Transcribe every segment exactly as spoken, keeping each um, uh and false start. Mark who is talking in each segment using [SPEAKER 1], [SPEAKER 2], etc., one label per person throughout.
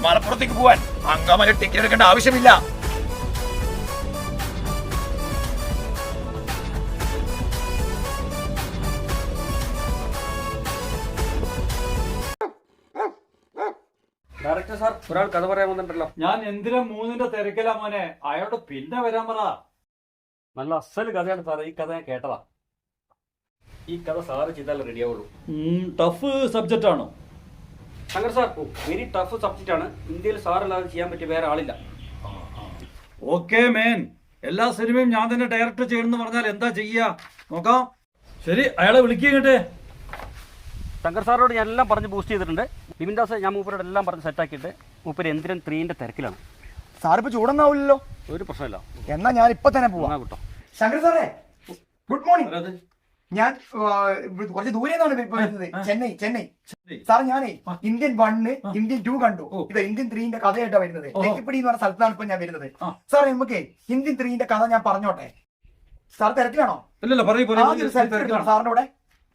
[SPEAKER 1] മലപ്പുറത്തേക്ക് പോവാൻ അങ്കമാലി ടിക്കറ്റ് എടുക്കേണ്ട ആവശ്യമില്ല.
[SPEAKER 2] ഡയറക്ടർ സാർ, ഒരാൾ കഥ പറയാൻ വന്നിട്ടുണ്ടല്ലോ.
[SPEAKER 3] ഞാൻ എന്തിനാ മൂന്നിന്റെ തിരക്കിലാ മോനെ, അയാളോട് പിന്നെ വരാൻ പറ.
[SPEAKER 2] നല്ല അസൽ കഥയാണ് സാറേ, ഈ കഥ ഞാൻ കേട്ടതാ. ഈ കഥ സാറ് ചെയ്താലേ റെഡിയാവുള്ളൂ.
[SPEAKER 3] ടഫ് സബ്ജക്റ്റ് ആണോ?
[SPEAKER 2] Shankar sir, very tough subject ആണ്. ഇന്ത്യയിൽ സാറല്ലാതെ ചെയ്യാൻ പറ്റിയ വേറെ ആളില്ല.
[SPEAKER 3] ഓക്കെ മേൻ, എല്ലാ സിനിമയും ഞാൻ തന്നെ ഡയറക്ടർ ചെയ്യണമെന്ന് പറഞ്ഞാൽ എന്താ ചെയ്യാ നോക്കാം. ശരി, അയാളെ വിളിക്കട്ടെ.
[SPEAKER 2] ശങ്കർ സാറോട് ഞാൻ എല്ലാം പറഞ്ഞ് ബൂസ്റ്റ് ചെയ്തിട്ടുണ്ട്. ബിപിൻ ദാസ് ഞാൻ മൂപ്പരോട് എല്ലാം പറഞ്ഞ് സെറ്റാക്കിയിട്ട് മൂപ്പര് എന്തിനും ത്രീന്റെ തിരക്കിലാണ്.
[SPEAKER 4] സാറിപ്പോ ചൂടൊന്നാവില്ലല്ലോ?
[SPEAKER 2] ഒരു പ്രശ്നമില്ല.
[SPEAKER 4] എന്നാ ഞാൻ ഇപ്പൊ തന്നെ പോവാ
[SPEAKER 2] കേട്ടോ.
[SPEAKER 4] ശങ്കർ സാറേ, ഗുഡ് മോർണിംഗ്. ഞാൻ കുറച്ച് ദൂരെ നിന്നാണ് വരുന്നത്. ചെന്നൈ ചെന്നൈ സാർ, ഞാനേ ഇന്ത്യൻ വണ്ണ് ഇന്ത്യൻ ടു കണ്ടു. ഇത് ഇന്ത്യൻ ത്രീന്റെ കഥയായിട്ടാ വരുന്നത്. തെക്കിപ്പിടി എന്ന് പറഞ്ഞ സ്ഥലത്താണ് ഇപ്പൊ ഞാൻ വരുന്നത്. സാർ, നമുക്ക് ഇന്ത്യൻ ത്രീന്റെ കഥ ഞാൻ പറഞ്ഞോട്ടെ? സാർ തിരക്കിലാണോ? സാറിന്റെ കൂടെ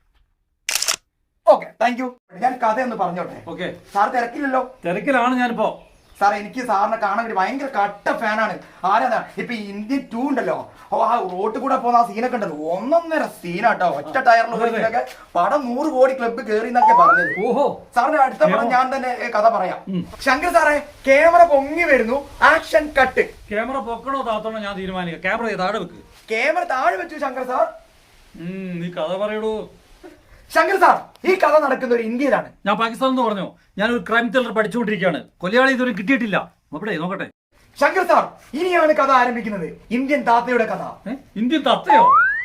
[SPEAKER 4] ഓക്കെ, താങ്ക് യു. ഞാൻ കഥ ഒന്ന് പറഞ്ഞോട്ടെ?
[SPEAKER 3] ഓക്കെ.
[SPEAKER 4] സാർ തിരക്കില്ലല്ലോ?
[SPEAKER 3] തിരക്കിലാണ് ഞാനിപ്പോ.
[SPEAKER 4] സാർ, എനിക്ക് സാറിനെ കാണാൻ വേണ്ടി ഭയങ്കര കട്ട ഫാനാണ്. ആരാ ഇപ്പൊ ഇന്ത്യൻ ടൂ ഉണ്ടല്ലോ, ആ റോഡ് കൂടെ പോകുന്ന ആ സീനൊക്കെ ഉണ്ടല്ലോ, ഒന്നൊന്നര സീനാട്ടോ. ഒറ്റ ടയറിലൊക്കെ പടം നൂറ് കോടി ക്ലബ്ബ് കയറി എന്നൊക്കെ പറഞ്ഞത്. ഓഹോ, സാറിന്റെ അടുത്ത പടം ഞാൻ തന്നെ കഥ പറയാം. ശങ്കർ സാറേ, ക്യാമറ പൊങ്ങി വരുന്നു, ആക്ഷൻ കട്ട്.
[SPEAKER 3] ക്യാമറ പൊക്കണോ താത്തണോ ഞാൻ തീരുമാനിക്കാം. ക്യാമറ താഴെ വെക്ക്.
[SPEAKER 4] ക്യാമറ താഴെ വെച്ചു ശങ്കർ സാർ.
[SPEAKER 3] നീ കഥ പറയടൂ.
[SPEAKER 4] ശങ്കർ സാർ, ഈ കഥ നടക്കുന്ന ഒരു ഇന്ത്യയിലാണ്.
[SPEAKER 3] ഞാൻ പാകിസ്ഥാൻ എന്ന് പറഞ്ഞു. ഞാനൊരു ക്രൈം ത്രില്ലർ പഠിച്ചുകൊണ്ടിരിക്കുകയാണ്. കൊലയാളി ഇതുവരെ കിട്ടിയിട്ടില്ല. നോക്കട്ടെ നോക്കട്ടെ.
[SPEAKER 4] ശങ്കർ സാർ, ഇനിയാണ് കഥ ആരംഭിക്കുന്നത്. ഇന്ത്യൻ താത്തയുടെ കഥ.
[SPEAKER 3] ഇന്ത്യൻ താത്തയോ?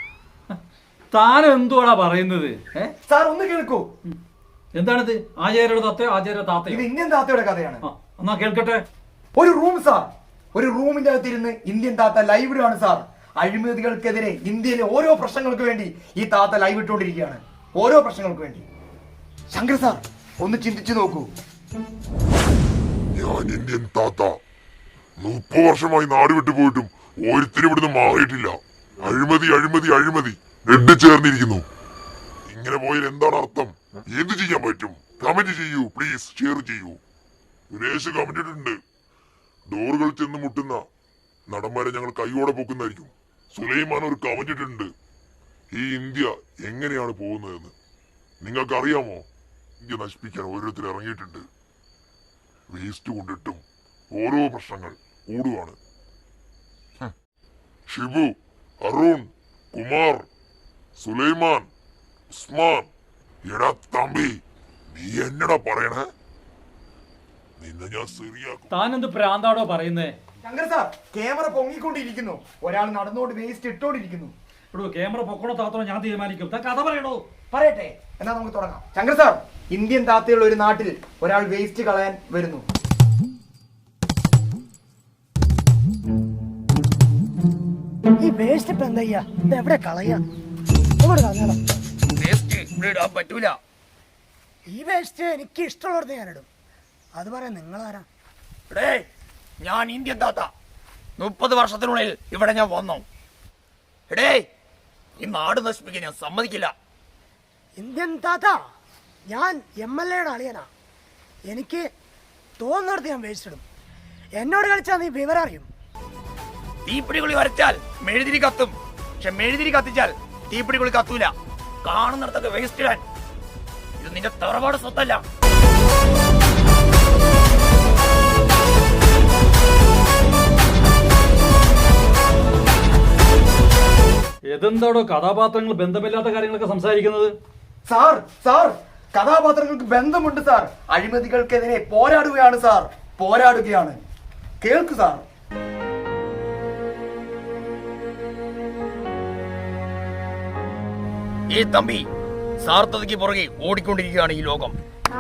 [SPEAKER 3] താൻ എന്തുവാടാ പറയുന്നത്?
[SPEAKER 4] സാർ ഒന്ന് കേൾക്കൂ.
[SPEAKER 3] എന്താണിത്? ആചാര്യയുടെ താത്തയോ ആചാര്യ താത്തയോ?
[SPEAKER 4] ഇത് ഇന്ത്യൻ താത്തയുടെ കഥയാണ്.
[SPEAKER 3] എന്നാ കേൾക്കട്ടെ.
[SPEAKER 4] ഒരു റൂം സാർ, ഒരു റൂമിന്റെ അകത്തിരുന്ന് ഇന്ത്യൻ താത്ത ലൈവ് ഇടുകയാണ് സാർ. അഴിമതികൾക്കെതിരെ ഇന്ത്യയിലെ ഓരോ പ്രശ്നങ്ങൾക്ക് വേണ്ടി ഈ താത്ത ലൈവ് ഇട്ടുകൊണ്ടിരിക്കുകയാണ്. ഓരോ പ്രശ്നങ്ങൾക്ക് വേണ്ടി. ശങ്കർ സാർ, ഒന്ന് ചിന്തിച്ചു നോക്കൂ.
[SPEAKER 5] ഞാൻ ഇന്ത്യൻ താത്ത മുപ്പത് വർഷമായി നാട് വിട്ടു പോയിട്ടും ഓരോരുത്തരും ഇവിടുന്ന് മാറിയിട്ടില്ല. അഴിമതി അഴിമതി അഴിമതി നെഡ് ചേർന്നിരിക്കുന്നു. ഇങ്ങനെ പോയാൽ എന്താണ് അർത്ഥം? എന്ത് ചെയ്യാൻ പറ്റും? കമന്റ് ചെയ്യൂ പ്ലീസ്, ഷെയർ ചെയ്യൂ. സുരേഷ് കമന്റ് ഇട്ടിട്ടുണ്ട്, ഡോറുകൾ ചെന്ന് മുട്ടുന്ന നടന്മാരെ ഞങ്ങൾ കൈയോടെ പൊക്കുന്നതായിരിക്കും. സുലൈമാൻ ഒരു കമന്റ് ഇട്ടിട്ടുണ്ട്, ഈ ഇന്ത്യ എങ്ങനെയാണ് പോകുന്നതെന്ന് നിങ്ങൾക്ക് അറിയാമോ? ഇന്ത്യ നശിപ്പിക്കാൻ ഓരോരുത്തർ ഇറങ്ങിയിട്ടുണ്ട്. വേസ്റ്റ് കൊണ്ടിട്ടും ഓരോ പ്രശ്നങ്ങൾ കൂടുകയാണ്. ഷിബു, അരുൺ, കുമാർ, സുലൈമാൻ, ഉസ്മാൻ, എടാ തമ്പി, നീ എന്നടാ പറയണേ? നിന്നെ ഞാൻ ശരിയാക്കും.
[SPEAKER 3] താനെന്ത് പ്രാന്താടോ പറയുന്നേ?
[SPEAKER 4] ശങ്കർ സാർ, ക്യാമറ പൊങ്ങിക്കൊണ്ടിരിക്കുന്നു, ഒരാൾ നടന്നുകൊണ്ട് വേസ്റ്റ് ഇട്ടോണ്ടിരിക്കുന്നു.
[SPEAKER 3] ക്യാമറ പൊക്കണോ താത്തണോ ഞാൻ തീരുമാനിക്കും. കഥ പറയണോ?
[SPEAKER 4] പറയട്ടെ, എന്നാ നമുക്ക് തുടങ്ങാം. ശങ്കർ സാർ, ഇന്ത്യൻ താത്തയുള്ള ഒരു നാട്ടിൽ ഒരാൾ വേസ്റ്റ് കളയാൻ വരുന്നു.
[SPEAKER 6] ഈ വേസ്റ്റ് ഇപ്പൊ എന്താ ചെയ്യാ? ഇത് എവിടെ കളയാ?
[SPEAKER 1] പറ്റൂല.
[SPEAKER 6] ഈ വേസ്റ്റ് എനിക്ക് ഇഷ്ടമുള്ളത് ഞാൻ ഇടും. അത് പറയാൻ നിങ്ങളാരാ?
[SPEAKER 1] ഞാൻ ഇന്ത്യൻ താത്ത. മുപ്പത് വർഷത്തിനുള്ളിൽ ഇവിടെ ഞാൻ വന്നു. എടേ, ഈ നാട് നശിപ്പിക്കാൻ ഞാൻ സമ്മതിക്കില്ല.
[SPEAKER 6] ഇന്ത്യൻ താത്ത, ഞാൻ എം എൽ എയുടെ അളിയനാ. എനിക്ക് തോന്നുന്നിടത്ത് ഞാൻ വേസ്റ്റ് ഇടും. എന്നോട് കളിച്ചാൽ നീ വിവരം അറിയും.
[SPEAKER 1] തീപ്പിടികുളി വരച്ചാൽ മെഴുതിരി കത്തും, പക്ഷെ മെഴുതിരി കത്തിച്ചാൽ തീപ്പിടികുളി കത്തൂല. കാണുന്നിടത്തൊക്കെ വേസ്റ്റ് ഇടാൻ. ഇത് നിന്റെ തറവാട് സ്വത്തല്ല.
[SPEAKER 3] ഏതെന്താടോ കഥാപാത്രങ്ങൾ ബന്ധമില്ലാത്ത കാര്യങ്ങളൊക്കെ സംസാരിക്കുന്നത്?
[SPEAKER 4] സാർ സാർ കഥാപാത്രങ്ങൾക്ക് ബന്ധമുണ്ട് സാർ. അഴിമതികൾക്കെതിരെ പോരാടുകയാണ് സാർ, പോരാടുകയാണ്. കേൾക്കു സാർ.
[SPEAKER 1] ഈ തമ്പി സാർത്ഥതയ്ക്ക് പുറകെ ഓടിക്കൊണ്ടിരിക്കുകയാണ് ഈ ലോകം.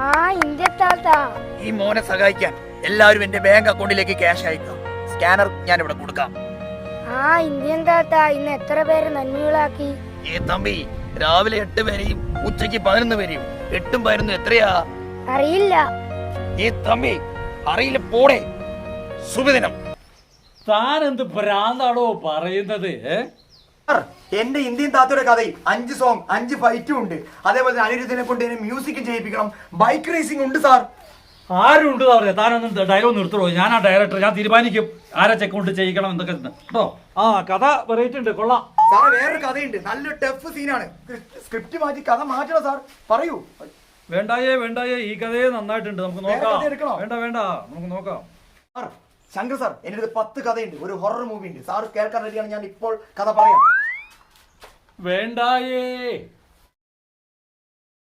[SPEAKER 1] ഈ മോനെ സഹായിക്കാൻ എല്ലാവരും എന്റെ ബാങ്ക് അക്കൗണ്ടിലേക്ക് ക്യാഷ് അയക്കാം. സ്കാനർ ഞാൻ ഇവിടെ കൊടുക്കാം.
[SPEAKER 7] ആ ഇന്ത്യൻ താത്ത ഇന്ന് എത്ര പേര് നന്മകളാക്കി?
[SPEAKER 1] ഈ തമ്പി രാവിലെ എട്ട് പേരെയും ഉച്ചയ്ക്ക് പതിനൊന്ന് പേരെയും. എട്ടും പതിനൊന്നും എത്രയാ
[SPEAKER 7] അറിയില്ല.
[SPEAKER 1] ഈ തമ്പി അറിയില്ല, പോടെ. ശുഭദിനം.
[SPEAKER 3] താൻ എന്ത് ഭ്രാന്താണോ പറയുന്നത്?
[SPEAKER 4] എന്റെ ഇന്ത്യൻ താത്തയുടെ കഥയിൽ അഞ്ച് സോങ് അഞ്ച് ഫൈറ്റും ഉണ്ട്. അതേപോലെ അനിരുദ്ധിനെ കൊണ്ട് മ്യൂസിക് ചെയ്യിപ്പിക്കണം. ബൈക്ക് റേസിംഗ് ഉണ്ട് സാർ.
[SPEAKER 3] ആരും ഉണ്ട് പറയാ താനൊന്നും ഡയലോഗ് നിർത്തണോ ഞാൻ ആ ഡയറക്ടർ ഞാൻ തീരുമാനിക്കും ആരെ ചെക്ക് കൊണ്ട് ചെയ്യിക്കണം എന്നൊക്കെ കേട്ടോ. ആ കഥ വെറൈറ്റി ഉണ്ട്, കൊള്ളാം.
[SPEAKER 4] സാറേ വേറൊരു കഥയുണ്ട്, നല്ലൊരു ടഫ് സീനാണ്. സ്ക്രിപ്റ്റ് മാറ്റി കഥ മാറ്റണം സാർ, പറയൂ.
[SPEAKER 3] വേണ്ടായേ വേണ്ടായേ ഈ കഥയെ നന്നായിട്ടുണ്ട്, നമുക്ക്
[SPEAKER 4] വേറെ
[SPEAKER 3] നോക്കാം.
[SPEAKER 4] കഥ എടുക്കണോ?
[SPEAKER 3] വേണ്ട വേണ്ട നമുക്ക് നോക്കാം.
[SPEAKER 4] സാർ ശങ്കർ സാർ, എൻ്റെ അടുത്ത് പത്ത് കഥയുണ്ട്, ഒരു ഹൊറർ മൂവി ഉണ്ട്. സാർ കേൾക്കാൻ റെഡിയാണ്, ഞാൻ ഇപ്പോൾ കഥ പറയാം.
[SPEAKER 3] വേണ്ടായേ